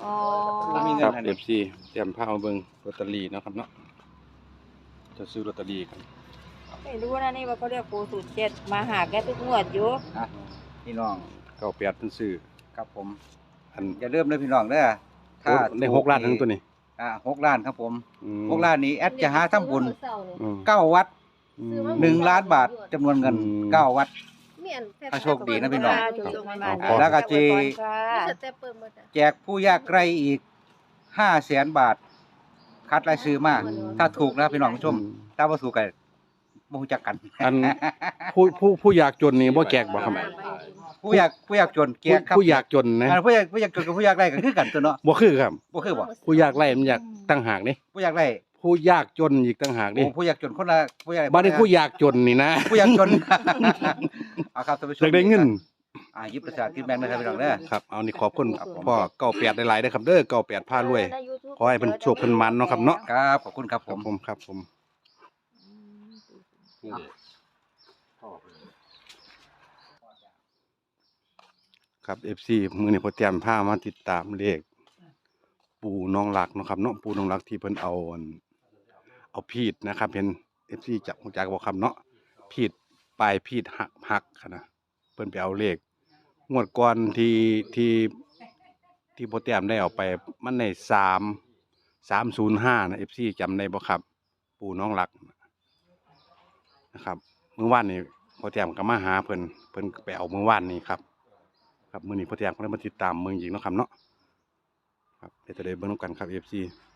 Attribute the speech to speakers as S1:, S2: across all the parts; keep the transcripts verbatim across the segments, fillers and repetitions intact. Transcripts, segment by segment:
S1: อ๋อ
S2: ครับ เอฟ ซี เตรียมผ้ามาเบิ่งลอตเตอรี่เนาะครับเนาะจะซื้อลอตเตอรี่กัน
S1: ไม่รู้นะนี่ว่าเขาเรียกปูสูตรเจ็ดมาหาแกทุกงวดอยู่
S3: อ่ะพี่น้อง
S2: เก้าแปดเพิ่นซื้อ
S3: ครับผม
S2: อัน
S3: อย่าลืมนะพี่น้องเด้อถ้า
S2: ได้หกล้านทั้งตัวนี้
S3: อ่าหกล้านครับผม
S2: อืม
S3: หกล้านนี้แอดจะหาทำบุญ
S2: อืม
S3: เก้าวัด
S2: อืม
S3: หนึ่งล้านบาทจำนวนเงิน
S2: อืม
S3: เก้าวัด
S4: ถ้า
S3: โชคดีนะพี่น้อง
S1: ถูกๆมา
S2: ครับ
S3: แล้วก็จี
S4: สเต็ปเปิดหมดอ่ะ
S3: แจกผู้ยากไร้อีกห้าแสนบาท คัดรายชื่อมาถ้าถูกนะพี่น้องผู้ชม ถ้าบ่ถูกกันบ่รู้จักกัน
S2: อันผู้ผู้ผู้อยากจนนี่บ่แจกบ่ครับ
S3: ผู้อยากผู้อยากจนแจ
S2: ผู้
S3: กครับ
S2: ผู้อยากจนนะ
S3: อ่าผู้อยากผู้อยากจนกับผู้อยากไร้ก็คือกันตัวเนาะ
S2: บ่คือครับ
S3: บ่คือบ่
S2: ผู้อยากไล่มันอยากตั้งหากนี่
S3: ผู้อยากไร้
S2: ผู้ยากจนอีกตั้งหาก
S3: โอ้
S2: นี่
S3: ผู้อยากจนคนละผู้อยาก
S2: บัดนี้ผู้อยากจนนี่นะ
S3: ผู้อยากจน เอาครับท่านผู้ชม
S2: อยากได้เงิน
S3: อ่าหยิบประสาทกินแบงค์นะครับพี่น้องเด้อ
S2: ครับเอานี่ขอบคุณ
S3: ครับผม
S2: พ่อเก้าแปดหลายๆเด้อครับเด้อเก้าแปดพารวย ขอให้เพิ่นโชคเพิ่นมันเนาะครับเนาะ
S3: ครับขอบคุณครับ
S2: ค
S3: ผ
S2: รับ
S3: ม
S2: ผมครับผม ครับ เอฟ ซี มื้อนี้พอเตรียมพามาติดตามเลขปู่น้องหลักเนาะครับเนาะปู่น้องหลักที่เพิ่นเอาอันเอาพีดนะครับเห็น เอฟ ซี จักฮู้จักบ่ครับเนาะพีดปลายพีดหักหักค่ะนะเพิ่นไปเอาเลขงวดก่อนที่ที่ที่พอเตรียมได้เอาไปมันได้สาม สามศูนย์ห้านะ เอฟ ซี จำได้บ่ครับ ปู่น้องหลักนะครับมื้อวานนี้พอเตรียมก็มาหาเพิ่นเพิ่นไปเอามื้อวานนี้ครับ ครับมื้อนี้พอเตรียมก็ได้มาติดตามเมืองหญิงเนาะครับเนาะครับเดี๋ยวจะได้เบิ่งนำกันครับ เอฟ ซี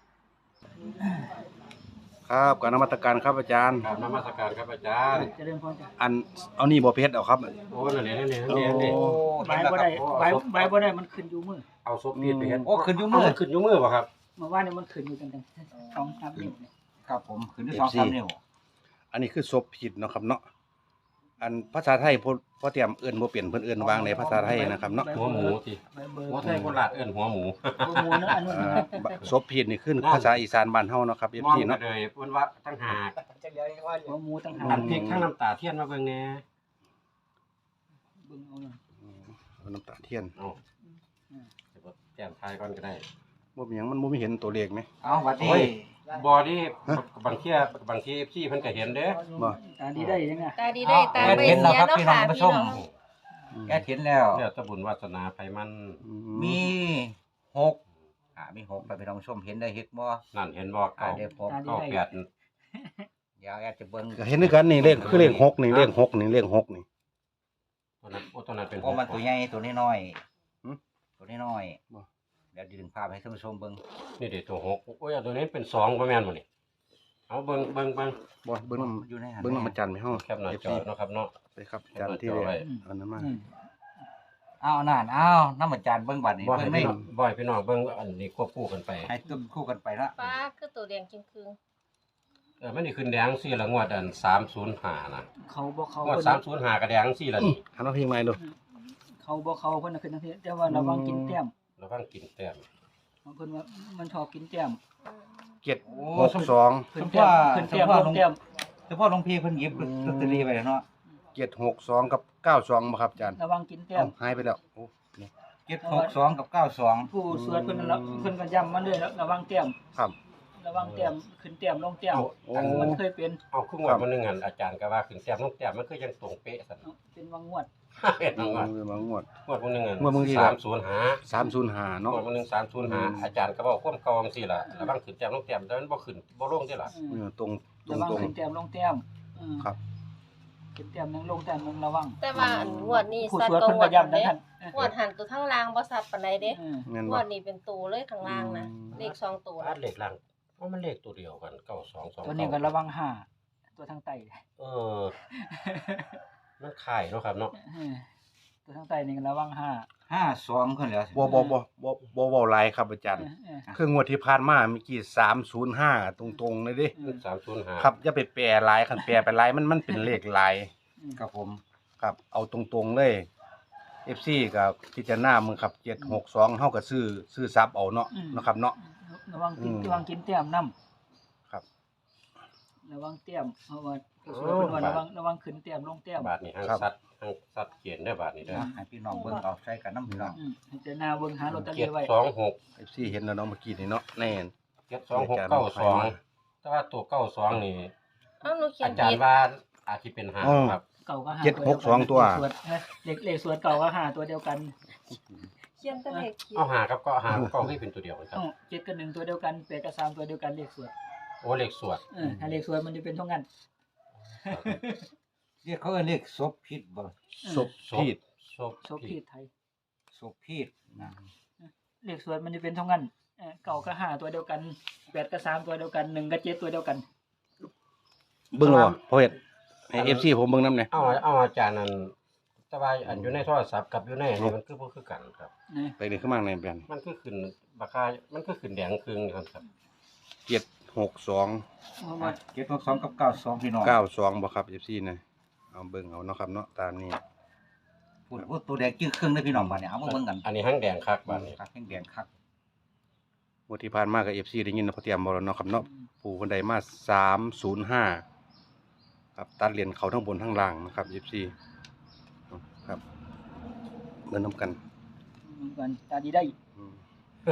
S2: ครับการนมัสการครับอาจารย์
S5: กราบนมัสการครับอาจารย์
S6: เจริญพรจ้ะ
S2: อันเอานี่บ่เพชรเอาครับ
S5: โอ้นั่นนี่นั่นนี่นั่นนี่นั่นนี่
S6: ใบบ่ได้ใบใบบ่ได้มันขึ้นอยู่มือ
S5: เอาศพพีดไปเฮ็ด
S3: โอ้ขึ้นอยู่
S5: มื
S3: มื
S5: อ
S3: อ
S5: ขึ้นอยู่มือบ่ครับ
S6: เมื่อวานนี้มันขึ้นอยู่ตั้งแต่สองสามนิ้วเนี่ย
S3: ครับผมขึ้นด้วยสองสามนิ้ว
S2: อันนี้คือศพผิดเนาะครับเนาะอันภาษาไทยพอพอเตรียมเอิ้นบ่เปลี่ยนเพิ่นเอิ้นวางในภาษาไทยนะครับเนาะ
S5: หัวหมูสิ
S6: ใบเบอร์
S5: หัวไทยโคราชเอิ้นหัวหมู
S6: หัวหมูเนอะอันนู้น
S2: อ่า
S6: นะ
S2: ศพผิดนี่คือภาษาอีสานบ้านเฮาเนาะครับ
S5: ม
S2: เอฟ
S5: อง
S2: ซี
S5: กั
S2: เนาะ
S5: นเลยเพิ่นว่าตั้งหาก
S6: หัวหมูต่างหา
S5: อั
S6: ก
S5: นพริกทั้งน้ำตาเทียนมาเบิ่งแหน่
S6: เบิ่งเอาหน่อย
S2: เอาน้ำตาเทียน
S5: เอาเดี๋ยวแจ้งทายก่อนก็ได้
S2: บ่มีหยังมันบ่มีเห็นตัวเลขไหม
S3: เอาหวัดดี
S5: โอ้ย บ่ที่บางเที่ยบางที่ เอฟ ซี เพิ่นก็เห็นเด้
S2: บ่
S6: ตาดีได้ยังไง
S1: ตาดีได้ตา
S3: แอด
S1: ไม่
S3: เห็นแล้ว
S1: เสีย
S3: ครับ
S1: เนาะ
S3: พี่น้อ
S1: ค่ะ
S3: งผู้ช
S1: พี่
S3: ม
S1: น้อง
S3: แอดเห็นแล้ว
S5: แล้วแต่บุญวาสนาไผมัน
S2: อื
S3: มีหกอ่ามีหกแล้วพี่น้องผู้ชมเห็นได้เห็นบ่
S5: นั่นเห็นบ่
S3: อ่า
S5: เก้า
S3: เดี๋ยวผม
S6: ตาดี
S5: เก้า
S6: ได้
S5: แปด
S3: เดี๋ยวแอดจะเบิ่ง
S2: ก็เห็นด้วยกันนี่เลขคือเลขหกนี่เลขหกนี่เลขหกนี่
S5: ตัวนั้นโอ้ตัวนั้นเป็น
S3: โอ้มันตัวใหญ่ตัวน้อย
S2: หืม
S3: ๆตัวน้อย
S2: บ่
S3: ๆเดี๋ยวดึงภาพให้ท่านผู้ชมเบิ่ง
S5: นี่เด้ตัวหกโอ้ยอันตัวนี้เป็นสองบ่แม่นบ่นี่เอาเบิ่งเบิ่งเบิ่ง
S2: บ่เบิ่งน
S3: อยู่ในหั
S2: ำเบิ่งนำอาจารย์ไปเฮา
S5: แคปหน้า
S2: เอฟ
S5: จอ
S2: ซี
S5: เนาะครับเนาะ
S2: ไปครับอาจารย์ที่เลขอันนั้นมา
S6: อืม
S3: อ้าวนั่นอ้าวน้ำอาจารย์เบิ่งบัดนี้
S5: บ่
S3: เบิ่
S5: ให้
S3: งไม่
S5: พี่น้องบ่ให้พี่น้องเบิ่งอันนี้ควบคู่กันไป
S3: ให้ตุ้มคู่กันไปละ
S1: ป้าคือตัวแดงจริงคืง
S5: เออมันนี่ขึ้นแดงสี่ละงวดอันสามศูนย์ห้านะ
S6: เขาบ่เขา
S5: งวด
S6: เพิ่น
S5: สามศูนย์ห้าก็แดงสี่ละนี่
S2: หันเอาเพลงใหม่ดู
S6: เขาบ่เขาเพิ่นน่ะขึ้นทั้งทีแต่ว่าระวังกินแต้ม
S5: ระวังกินแต้ม
S6: เพิ่นว่ามันชอบกินแต้ม
S2: เจ็ด
S3: โอ้
S2: หกสอง
S6: ขึ้นแต้มขึ้นแต้มลงแต้ม
S3: เฉพาะหลวงพี่เพิ่นหยิบลอตเตอรี่ไปแล้วเนาะ
S2: เจ็ดหกสองกับเก้าสองบ่ครับอาจารย์
S6: ระวังกินแต้
S2: เอ้าม หายไปแล้วโอ้นี่
S3: เจ็ดหกสองกับเก้าสอง
S6: ผู้สวดเพิ่นละเพิ่นก็ย้ำมาเลยระวังแต้ม
S2: ครับ
S6: ระวังแต้มขึ้นแต้มลงแต้ม
S2: โอ้
S6: มันเคยเป็น
S5: เอาครึ่งวดมันนึงอันอาจารย์ก็ว่าขึ้นแต้มลงแต้มมันคือยังตรงเป๊ะซั่น
S6: เป็นวังงวด
S5: เป็น
S2: ง
S5: งวด
S2: วดมางวด
S5: งวดมันนึงอัน
S2: งวดมึงที่
S5: สามศูนย์ห้า
S2: สามศูนย์ห้าง เนาะ
S5: วดมันนึงสามศูนย์ห้าอาจารย์ก็บอกความเก่าจังซี่ล่ะระวังขึ้นแต้มลงแต้มแต่มันบ่ขึ้นบ่ลงเด้ล่ะ
S2: เออตรงตร
S6: ระ
S2: ง
S6: วัง
S2: ตรง
S6: ขึ้นแต้มลงแต้มอืม
S2: ครับ
S6: ขึ้นแต้มนึงลงแต้มนึงระวัง
S1: แต่ว่าอันงวดนี้
S6: ผู้
S1: สัต
S6: สวด
S1: ว์ก็
S6: เพิ่น
S1: งว
S6: ก็
S1: ด
S6: ย้ำ
S1: เด้
S6: นะท่าน
S1: งวดหันตัวทั้งล่างบ่สัตว์ปานใดเด้
S6: เออ
S2: เงิน
S1: ง
S2: บ่
S1: วดนี้เป็นตัวเลยข้างล่างนะเลขสองตัว
S5: อัดเลขล่างว่ามันเลขตัวเดียวกันเก้าสองสอง
S6: ตัวนี้ก็ระวังห้าตัวทางใต้
S5: เออมันคล้ายเนาะครับเนาะ
S6: เออตัวทางใต้นี่ก็ระวังห้า
S3: ห้าสองคนแล้ว
S2: บ่บ่บ่บ่บ่เว้าหลายครับอาจารย์
S6: เออเออ
S2: คืองวดที่ผ่านมาเมื่อกี้สามศูนย์ห้าตรงๆเลยเดิ
S6: เออ
S5: สามศูนย์ห้า
S2: ครับอย่าไปแปรหลายคันแปรไปหลายมันมันเป็นเลขหลาย
S3: ครับผม
S2: ครับ เอาตรงๆเลย เอฟ ซี กับพิจารณามึงครับเจ็ดหกสองเฮาก็ซื้อซื้อซับเอาเนาะนะครับเนาะ
S6: ระวังกิน
S2: อืม
S6: ระวังกินแต้มน้ำ
S2: ครับ
S6: ระวังแต้มเพราะว่าเพิ่สวยเป็นว่าระวังระวังขึ้นแต้มลงแต้ม
S5: บาทนี้ห้าง
S2: ครับ
S5: สัตว์ห้างสัตว์เกียนได้อบาทนี้เด้อ
S3: นะให้พี่น้องเบิ่งเอาใช้กันน้ำพี่น้อง
S6: อืมให้เจาหน้าเบิ่งหาลอตเตอ
S5: เจ็
S6: รี่
S5: ด
S6: ไว้
S5: สองหก
S2: เอฟซีเห็นแล้วเนาะเมื่อกี้นี่เนาะแน่น
S5: เจ็ดสองหกเก้าสองแต่ว่าตัวเก้าสองนี่
S4: เอ้าหนูเขีย
S5: อาน จาร
S4: ผิด
S5: ย์ว่าอาจจะเป็นหา
S2: อ๋อ
S5: ครับ
S6: เก่าก็หา
S2: เจ็ดหกสองตัว
S6: เลขสวดเอ้ยเลขเลขสวดเก่าก็หาตัวเดียวกัน
S1: เขียนแตะเลขผิด
S5: เอาหากับก็หาก็ให้เป็นตัวเดียวกันครับ
S6: เอ้าเจ็ดกับหนึ่งตัวเดียวกันแปดกับสามตัวเดียวกันเลขสวด
S5: โอ้เลขสวด
S6: เออถ้าเลขสวดมันจะเป็นเท่านั้น
S3: เรียกเขาเอิ้นเรียกศพพิษบ่
S2: ศพพีด
S5: ศพ
S6: โชคผิดไทย
S3: ศพพิษนะ
S6: เลขสวดมันจะเป็นเท่านั้นเออเก่าก็หาตัวเดียวกันแปดกับสามตัวเดียวกันหนึ่งกับเจ็ดตัวเดียวกัน
S2: เบิ่งแล้วบ่พ่อเฮ็ดให้ เอฟ ซี ผมเบิ่งนำแหน่
S5: เอาเอาอาจารย์นั่นแต่ว่าอันอยู่ในโทรศัพท์กับอยู่ในนี่มันคือบ่คือกันครับ
S6: นะ
S2: ไปเลยขึ้นมาในแบน
S5: มันคือขึ้นราคามันคือขึ้นแดงครึ่งนี่ครับครับ
S2: เจ็ดหกสอง
S6: เอามา
S3: เจ็ดหกสองกับเก้าสองพี่น้อง
S2: เก้าสองบ่ครับ เอฟ ซี นะเอาเบิ่งเอาเนาะครับเนาะตามนี้
S3: พูดว่าตัวแดงจื้อครึ่งเด้อพี่น้องบัดนี้เอามาเบิ่งกัน
S5: อันนี้ห้างแดงคักบาทนี้
S3: ครับแห้งแดงคัก
S2: งวดที่ผ่านมากับ เอฟ ซี ได้ยินเนาะพอเตรียมบ่แล้วเนาะครับเนาะปู่เพิ่นได้มาสามศูนย์ห้าครับตัดเหรียญเขาทั้งบนทั้งล่างนะครับ เอฟ ซี ครับเบิ่งนํกัน
S6: เหมือนกันตาดีได้
S2: อืม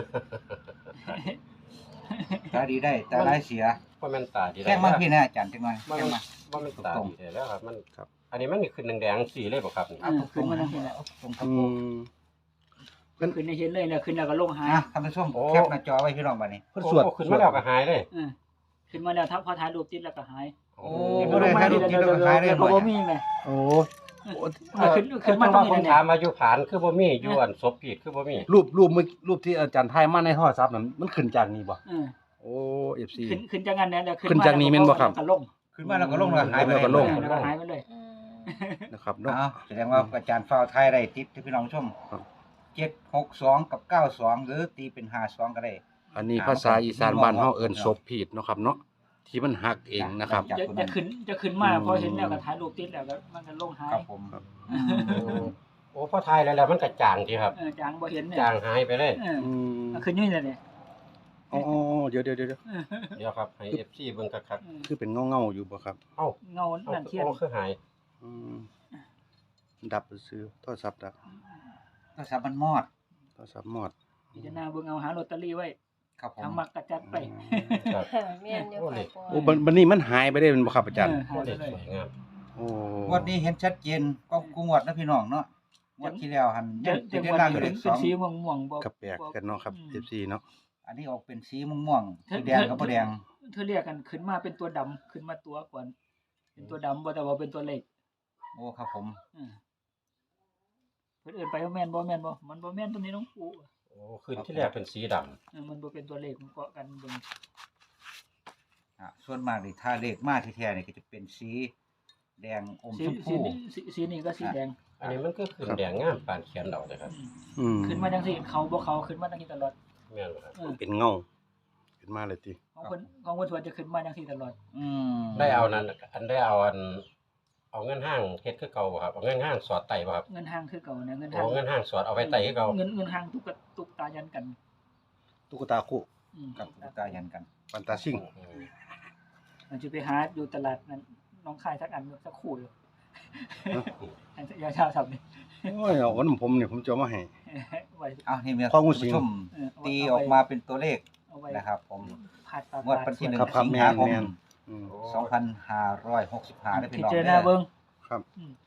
S3: ตาดีได้ตาร้ายเสีย
S5: ว่ามันตาดี
S3: แค่มาพี่นะอาจารย์จังหน่อย
S5: ว่า
S3: แค่
S5: มัน
S3: มา
S5: ว่ามันตาดีแล้วครับมัน
S2: ครับ
S5: อันนี้มันนี่ขึ้นแดงๆสีเลยบ่ครับนี่
S6: เออขึ้นมาทั้งทีแล้ว
S3: ตรงครับ
S2: อื
S3: ผม
S2: ม
S6: ขึ้นในเห็นเลยเนี่ยขึ้นแล้วก็ลงหาย
S3: อ่ะท่านผู้ชมแคปหน้าจอไว้พี่น้องบัดนี้
S2: เพิ่นสวด
S5: โอ้ขึ้นมาแล้วก็หายเลย
S6: เออขึ้นมาแล้วถ้าพอถ่ายรูปติดแล้วก็หาย
S5: โอ้
S3: บ่ได้ถ่ายรูปติดแล้วก็หายได้บ่
S6: บ่มีแม่
S2: โอ้
S6: เออขึ้น
S5: คื
S6: ขึ้
S5: อน
S6: มา
S5: มา
S6: ตร
S5: ต้อง ง
S6: นี้
S5: ผม
S6: เนี่ย
S5: ถามมาอยู่ผานคือบ่มีอยู่อันศพผิดคือบ่มี
S2: รูปรูปเมื่อรูปที่อาจารย์ถ่ายมาในโทรศัพท์นั่นมันขึ้นจากนี้บ่
S6: เออ
S2: โอ้ เอฟ ซี
S6: ขึ้นขึ้นจากนั้นเนี่ยแล้ว
S2: ขึ้นจากนี้แม่นบ่ครับ
S6: แล้วก็ลง
S3: ขึ้นมาแล้วก็ลงแล้วหายไป
S2: แล้วก็ลง
S6: เออแล้วก็หายไปเลย
S4: อืม
S2: นะครับเนาะ
S3: อ้าวแสดงว่าอาจารย์ฟ้าวไทยได้ติดที่พี่น้องชม
S2: ครับ
S3: เจ็ดหกสองกับเก้าสองหรือตีเป็นห้าสองก็ได้
S2: อันนี้ภาษาอีสานบ้านเฮาเอิ้นศพผิดเนาะครับเนาะที่มันหักเองนะครับ
S3: จาก
S6: จะ
S3: คน
S6: จะ
S3: นั้น
S6: ขึ้นจะขึ้นมา
S2: อืม
S6: พอเห็นแล้วก็ถ่ายรูปติดแล้วก็มันก็ลงหาย
S3: ครับผม
S2: ครับ
S5: โอ้โอ้พอทายแล้วแล้วมันก็จางทีครับ
S6: เออจางบ่เห็นเนี่ย
S5: จางหายไปเลย
S6: เออ
S2: อืม
S6: เอาขึ้นนี่เลยเนี่ย
S2: อ๋อๆเดี๋ยวเดี๋ยวเดี๋ยว
S6: เออ
S5: เดี๋ยวครับให้ เอฟ ซี เบิ่งคัก
S6: เออ
S2: คือเป็นเงาๆอยู่บ่ครับ
S5: ๆเอ้า
S6: เงา
S5: เอา
S6: นั่นเทียน
S5: เอาคือหาย
S2: อืมดับซื้อโทรศัพท์ดับ
S3: ก็สับมันมอด
S2: โทรศัพท์หมด
S6: พิจารณาเบิ่งเอาหาลอตเตอรี่ไว้
S3: ครับผม
S6: ทางมักกระจัดไป
S5: ครับ
S4: แม่นอยู่ค่ะพ่อ
S2: โอ้บัดบัดนี้มันหายไปได้เป็นบ่ครับอาจารย์
S6: เออหา
S5: โอ้
S6: ย
S5: เด็
S6: ไป
S5: ก
S6: เลย
S5: สวยงาม
S2: โอ้
S3: งวดนี้เห็นชัดเจนก็กูงวดนะพี่น้องเนาะงวดที่แล้วหัน
S6: จะ
S3: จะ
S6: จะ
S3: ได้
S6: วัน
S3: ล่าง
S6: นี้
S3: อยู่เล
S6: เป็น
S3: ขส
S6: เป็น
S3: อง
S6: สีม่วงม่วงๆบ่
S2: ก็แปลกกันเนาะครับ
S6: อืม
S2: เอฟ ซี เนาะ
S3: อันนี้ออกเป็นสีม่วงๆสีแดงกับบ่แดง
S6: เธอเรียกกันขึ้นมาเป็นตัวดำขึ้นมาตัวก่อนเป็นตัวดำบ่แต่ว่าเป็นตัวเล็ก
S3: โอ้ครับผม
S6: เออเพิ่นเอิ้นไปว่าแม่นบ่แม่นบ่มันบ่แม่นตัวนี้น้องปู่
S5: โอ้ขึ้นที่แรกเป็นสีดำ
S6: เออมันบ่เป็นตัวเลขมันเกาะกันเบิ่ง
S3: อ่ะส่วนมากนี่ถ้าเลขมาที่แท้นี่ก็จะเป็นสีแดงอม
S6: สี
S3: ชม
S6: สี
S3: พู
S6: นี้สีสีนี้ก็สีแดง
S5: อันนี้มันก็ขึ้นแดงงามปานเขียนดอกเลยครับ
S6: อืม
S2: อืม
S6: ขึ้นมาจังซี่เขาบ่เขาขึ้นมาจังซี่ตลอด
S5: แม่นบ่ครับ
S6: เออ
S2: เป็นเงาขึ้นมาเลยติ
S6: ของเพิ่นของเพิ่นส่วนจะขึ้นมาจังซี่ตลอด
S3: อืม
S5: ได้เอานั้นอันได้เอาอันเอาเงินห้างเฮ็ดคือเก่าบ่ครับเอาเงินห้างสอดไตบ่ครับ
S6: เงินห้างคือเก่านะเงิน
S5: เอา
S6: ห้าง
S5: เงินห้างสอดเอาไว้ไตคือเก่า
S6: เงินเงินห้างตุกกะตุกตายันกัน
S2: ตุ๊กตาคู่
S6: อืม
S3: กับตุ๊กตายันกัน
S2: ปันตาซิ่ง
S5: อืม
S6: มันจะไปหาอยู่ตลาดนั้นน้องคายสักอันสักคู่อยู่อันยาชาสับนี่
S2: โอ้ยเอาวันผมเนี่ยผมจะเอามาให้
S6: ไว้
S3: เอานี่มี
S2: ข้อมูล
S3: ท่าน
S2: สิง
S3: ผู้ชม
S6: เออเาไว้
S3: ตีออกมาเป็นตัวเลข
S6: เอาไว้
S3: นะครับผม
S6: ผัดปลาง
S3: วดวันที่หนึ่ง
S2: ครับครับ
S3: สิง
S2: แม่
S3: หาน คม
S2: แม่นอืม
S3: สองพันห้าร้อยหกสิบห้าได้พี่
S6: พิ
S3: น้อง
S6: จาร
S3: เด้
S6: ณา
S3: อ
S6: เบิ่ง
S2: ครับ
S6: อืม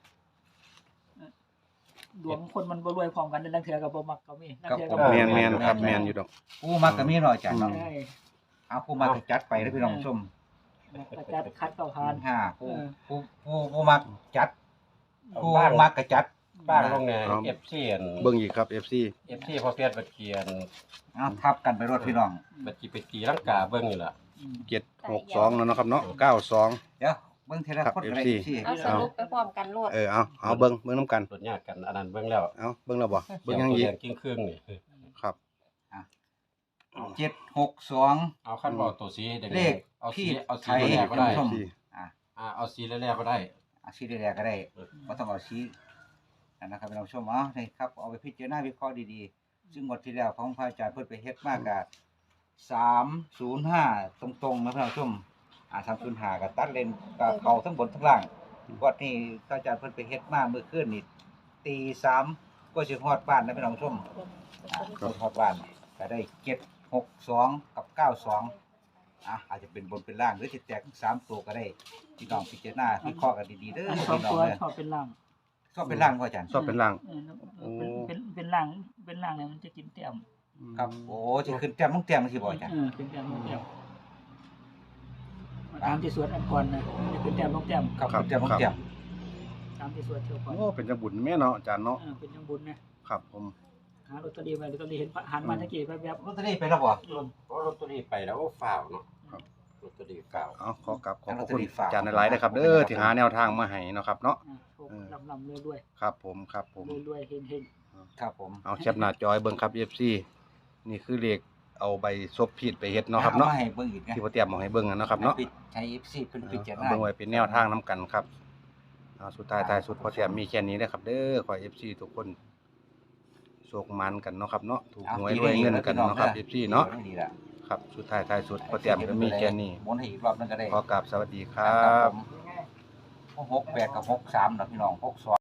S6: ดวงคนมันบ่รวยพร้อมกันนั่นเทื่อก็บ่มักก็มีนั่นเทื่อก็บ่
S2: แมนแมนครับแมนอยู่ดอก
S3: ผู้มักก็มีหน่อยจ้ะเนาะ
S6: ใช่
S3: เอาผู้มักก็จัดไปได้พี่น้องผู้ชม
S6: กระจัดคัดเข้าทาน
S3: ห้าผู้
S6: เออ
S3: ผู้ผู้ผู้มักจัด
S5: เอา
S3: ผู้
S5: บ้าง
S3: มักก็จัด
S5: บ้างลงใน
S2: ครับ
S5: เอฟซีอัน
S2: เบิ่งอีกครับ เอฟ ซี
S5: เอฟซีพอเพียรบัดเขียน
S3: เอาทับกันไปรถพี่น้อง
S5: บัดจีไปตีลังกาเบิ่งอยู่ล่ะ
S6: อืม
S2: เจ็ดหกสองแล้วเนาะครับเนาะเก้าสอง
S3: เดี๋ยวเบิ่งทีละ
S2: ครับ
S3: คนก็ได้
S2: เอฟซี
S3: สิ
S4: เอาสรุปไปพร้อมกันโลด
S2: เออเอาเอาเบิ่งเบิ่งน้ำกัน
S5: รถยากกันอันนั้นเบิ่งแล้ว
S2: เอาเบิ่งแล้วบ่เบิ่ง
S5: เสี
S2: ยัง
S5: ตัว
S2: อีก
S5: แดงกิ้งครึ่งนี่
S2: ครับ
S3: เจ็ดหกสอง
S5: เอาขั้นบอกตัวสีแดงๆ
S3: เลข
S5: เอาสี
S3: ที่
S5: เอาสี
S3: ไทย
S5: แรกก็ได้
S3: ท่านผู้ชม
S2: สี่
S3: อ่ะ
S5: อ่าเอาสีแรกก็ได้
S3: เอาสีแดงๆก็ได้บ่ต้องเอาสีนั่นนะครับพี่น้องผู้ชมเอานี่ครับเอาไปพิจารณาวิเคราะห์ดีๆ ซึ่งงวดที่แล้วของพระอาจารย์เพิ่นไปเฮ็ดมากกะสามศูนย์ห้าตรงๆนะพี่น้องผู้ชมอ่าสามศูนย์ห้าก็ตัดเลนก็เข้าทั้งบนทั้งล่างวัดนี้ก็อาจารย์เพิ่นไปเฮ็ดมาเมื่อคืนนี่ตีสามก็สิฮอดบ้านนะพี่น้องผู้ชมอ่าก็ฮอดบ้านก็ได้เจ็ดหกสองกับเก้าสองอ่ะอาจจะเป็นบนเป็นล่างหรือสิแตกทั้งสามตัวก็ได้พี่น้องพิจารณาวิเคราะห์กันดีๆเด้อ
S6: อัน
S3: พี่
S6: สอง
S3: น้อง
S6: ตัว
S3: เด้อ
S6: ชอบเป็นล่าง
S3: ชอบเป็นล่างบ่อาจารย์
S2: ชอบเป็นล่าง
S6: เออเป็นเป็นเป็นล่างเป็นล่างเนี่ยมันจะกินแต้ม
S3: ครับโอ้สิขึ้นแต้มมึงแต้มจังซี่บ่อาจารย์
S6: เออเป็นแต้มลงแต้มตามที่สวดอันก่อนนะมันจะเป็นแต้มลงแต้ม
S3: ครับขึ้นแต้มมึงแต้ม
S6: ตามที่สวดเที่ยวก่อน
S2: โอ้เป็นจังบุญแม่เนาะอาจารย์เนาะ
S6: เออเป็นยังบุญนะครับ
S2: ผม
S6: หาลอตเตอรี่ไว้ลอตเตอรี่เห็นหันมาตะกี้แวบ
S3: ลอตเตอรี่ไปแล้วบ่
S6: ๆอืม
S5: เพราะลอตเตอรี่ไปแล้วโอ้ฝ้าวเนาะลอตเตอรี่ฝ้าว
S2: เอาขอกลับขอบ
S3: ลอตเต
S2: คุ
S3: อ
S2: ณ
S3: รี่ฝาก
S2: อาจารย์หลายๆนะครับเด้อที่หาแนวทางมาให้เนาะครับเนาะ
S6: อ่าโชคลำลำๆรวย
S2: ครับผมครับผม
S6: ๆรวยๆเฮง
S3: ครับผม
S2: เอาแคปหน้าจอยเบิ่งครับ เอฟ ซี นี่คือเลขเอาใบซบผิดไปเฮ็ดเนาะครับเนาะ
S3: อมให้เบิ่งอีกนะ
S2: ที่พ่อเตรียมมาให้เบิ่งอะเนาะครับเนาะ
S3: ใช้ เอฟ ซี เพิ่นพิจาร
S2: เอา
S3: ณา
S2: เบิ่งไว้เป็นแนวทางนํกันครับเอาสุดท้ายท้ายสุดพ่อเตรียมมีแค่นี้นะครับ เด้อขอ เอฟ ซี ทุกคนโชคมันกันเนาะครับเนาะถูกหวยรวยเงินกันเนาะครับ เอฟ ซี เนาะ
S3: ดีล่ะ
S2: ครับสุดท้ายท้ายสุดพ่อเตรียมก็มีแค่นี้
S3: หมุนให้อีกรอบนึงก็ได้
S2: ขอกราบสวัสดีครั
S3: ครับ
S2: บ
S3: ผมหกแปดกับหกสามเนาะพี่น้องหกสอง